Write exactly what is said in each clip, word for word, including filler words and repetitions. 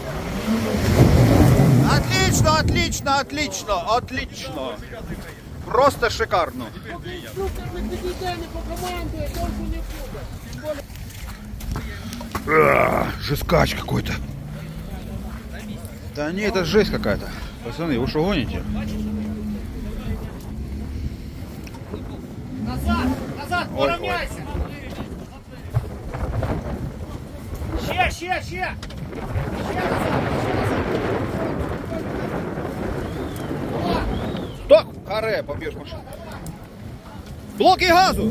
Отлично, отлично, отлично, отлично. Просто шикарно. А, жескач какой-то. Да не, это жесть какая-то. Пацаны, вы что гоните? Назад, назад, Ой, поравняйся. Ще, ще, ще. Стоп! Харе, побьешь машину. Блоки газу!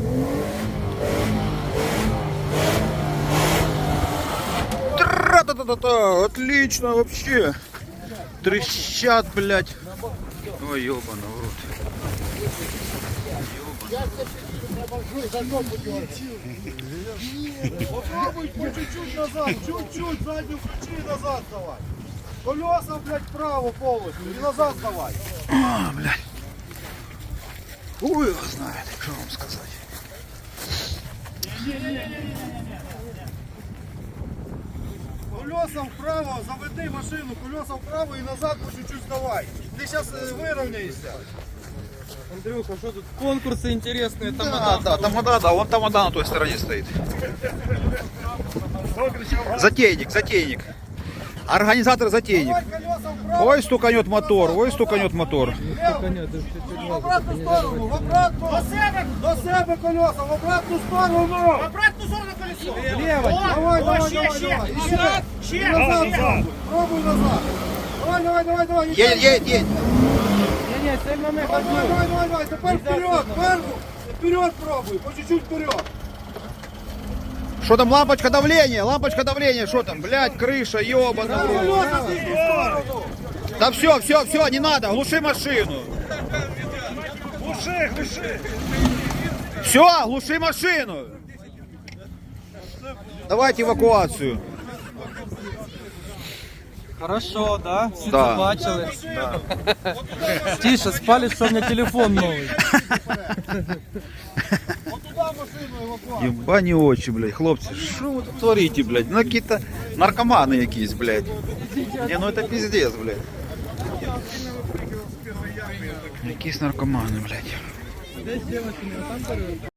Тра-та-та-та-та! Отлично вообще! Трещат, блядь! Ой, ёбана в рот. Попробуй по чуть-чуть назад, чуть-чуть заднюю включи и назад давай. Колеса, блядь, вправо полностью и назад давай. А, блядь. Ой, его знает, что вам сказать. Колеса вправо, заведи машину, колеса вправо и назад по чуть-чуть давай. Ты сейчас выровняешься. Андрюха, что тут конкурсы интересные, там Да, да, тамада, да, вон тамада на той стороне стоит. Затейник, затейник. Организатор затейник. Давай колеса вправо. Ой, стуканет мотор, ой, стуканет мотор. В обратну сторону, в обратну. До себе, до себе колеса, в обратну сторону. В обратну сторону колесо. Лево. Давай, О, давай, ще, давай, ще. давай. Еще. Назад, ще, И назад ще. пробуй. Пробуй назад. Давай, давай, давай, давай. Едет, едет, едет. Не-не, сильно не Давай, давай, давай, давай, давай. Теперь вперед, вверх. Вперед пробуй, по чуть-чуть вперед. Что там, лампочка давления, лампочка давления, что там, блядь, крыша, ёбана. в рот. Колеса в другую сторону. Да все, все, все, не надо, глуши машину. Глуши, глуши. Все, глуши машину. Давайте эвакуацию. Хорошо, да? Всі Да. це бачили. Тише, спали, що в мене телефон новий. Вот туда машину эвакуацию. Ебані очі, блядь, хлопці, що ви тут творите, блядь? Ну какие-то наркоманы якісь, блядь. Не, ну это пиздец, блядь. Якісь наркомани, блядь.